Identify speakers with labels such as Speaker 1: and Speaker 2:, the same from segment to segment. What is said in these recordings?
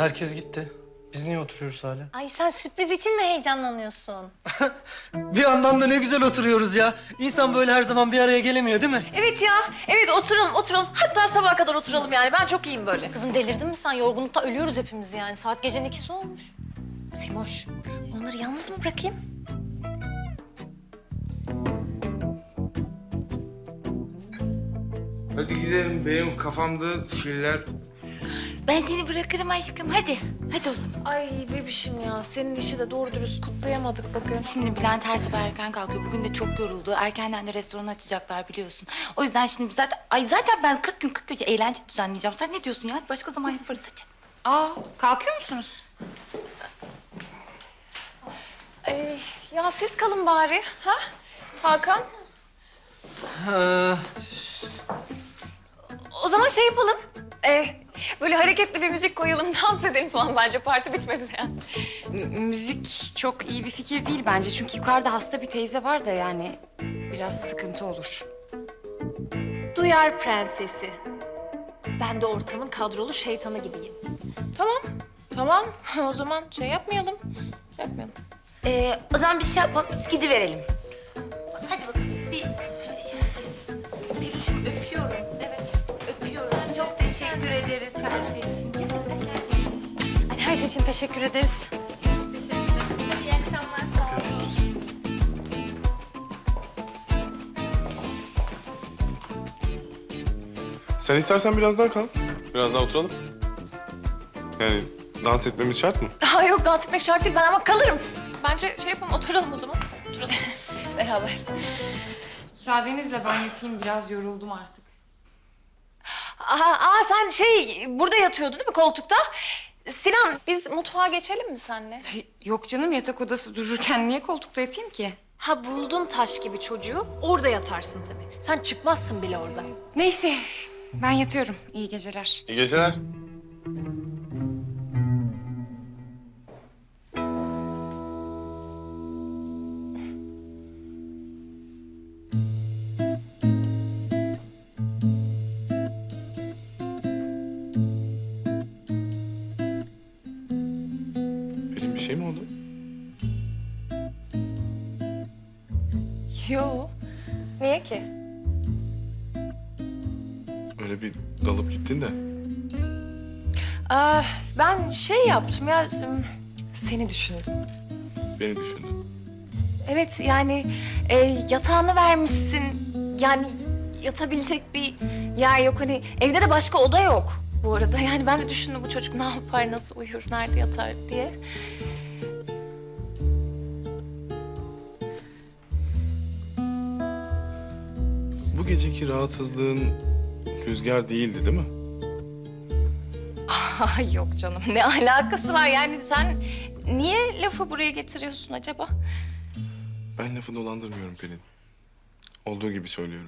Speaker 1: Herkes gitti. Biz niye oturuyoruz hala?
Speaker 2: Ay sen sürpriz için mi heyecanlanıyorsun?
Speaker 1: Bir yandan da ne güzel oturuyoruz ya. İnsan böyle her zaman bir araya gelemiyor değil mi?
Speaker 3: Evet ya. Evet oturalım. Hatta sabaha kadar oturalım yani. Ben çok iyiyim böyle.
Speaker 2: Kızım delirdin mi sen? Yorgunluktan ölüyoruz hepimiz yani. Saat gecenin 2'si olmuş.
Speaker 3: Simoş, onları yalnız mı bırakayım?
Speaker 4: Hadi gidelim. Benim kafamda filler...
Speaker 5: Ben seni bırakırım aşkım. Hadi. Hadi o zaman.
Speaker 3: Ay bebişim ya. Senin işi de doğru dürüst kutlayamadık bugün.
Speaker 5: Şimdi Bülent her sabah erken kalkıyor. Bugün de çok yoruldu. Erkenden de restoran açacaklar biliyorsun. O yüzden şimdi zaten ben 40 gün 40 gece eğlence düzenleyeceğim. Sen ne diyorsun ya? Hadi başka zaman yaparız hadi.
Speaker 6: Aa, kalkıyor musunuz?
Speaker 3: Ya siz kalın bari. Ha? Hakan? O zaman şey yapalım. Böyle hareketli bir müzik koyalım, dans edelim falan bence. Parti bitmedi yani.
Speaker 6: Müzik çok iyi bir fikir değil bence. Çünkü yukarıda hasta bir teyze var da yani biraz sıkıntı olur.
Speaker 3: Duyar prensesi. Ben de ortamın kadrolu şeytanı gibiyim. Tamam. O zaman şey yapmayalım.
Speaker 5: O zaman bir şey yapalım. Biz gidiverelim. Hadi bakalım. Bir şey yapalım. Peluşum öpüyorum. Evet. Öpüyorum. Çok teşekkür ederiz her şey için. Gel aşkım.
Speaker 2: Hadi her şey için teşekkür ederiz.
Speaker 3: Hadi iyi akşamlar. Sağ olun.
Speaker 7: Sen istersen biraz daha kal. Biraz daha oturalım. Yani dans etmemiz şart mı?
Speaker 3: Daha yok dans etmek şart değil ben ama kalırım. Bence şey yapalım oturalım o zaman. Oturalım. Beraber.
Speaker 6: Müsaadenizle ben yatayım, biraz yoruldum artık.
Speaker 3: Sen burada yatıyordun değil mi koltukta? Sinan biz mutfağa geçelim mi seninle?
Speaker 6: Yok canım, yatak odası dururken niye koltukta yatayım ki?
Speaker 3: Ha buldun taş gibi çocuğu orada yatarsın tabii. Sen çıkmazsın bile oradan.
Speaker 6: Neyse, ben yatıyorum. İyi geceler.
Speaker 7: İyi geceler. Benim bir şey mi oldu?
Speaker 3: Yo. Niye ki?
Speaker 7: Öyle bir dalıp gittin de.
Speaker 3: Ben şey yaptım ya seni düşündüm.
Speaker 7: Beni düşündün.
Speaker 3: Evet yani yatağını vermişsin. Yani yatabilecek bir yer yok. Hani evde de başka oda yok bu arada. Yani ben de düşündüm bu çocuk ne yapar, nasıl uyur, nerede yatar diye.
Speaker 7: Bu geceki rahatsızlığın rüzgar değildi değil mi?
Speaker 3: Ay yok canım ne alakası var yani sen niye lafı buraya getiriyorsun acaba?
Speaker 7: Ben lafı dolandırmıyorum Pelin. Olduğu gibi söylüyorum.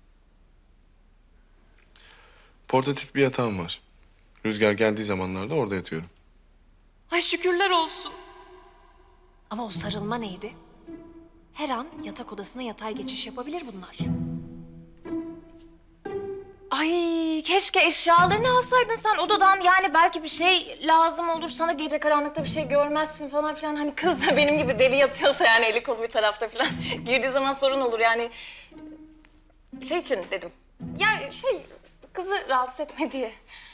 Speaker 7: Portatif bir yatağım var. Rüzgar geldiği zamanlarda orada yatıyorum.
Speaker 3: Ay şükürler olsun. Ama o sarılma neydi? Her an yatak odasına yatay geçiş yapabilir bunlar. Ay keşke eşyalarını alsaydın sen odadan. Yani belki bir şey lazım olur sana gece karanlıkta bir şey görmezsin falan filan. Hani kız da benim gibi deli yatıyorsa yani eli kolu bir tarafta filan. Girdiği zaman sorun olur yani. Şey için dedim. Yani kızı rahatsız etme diye.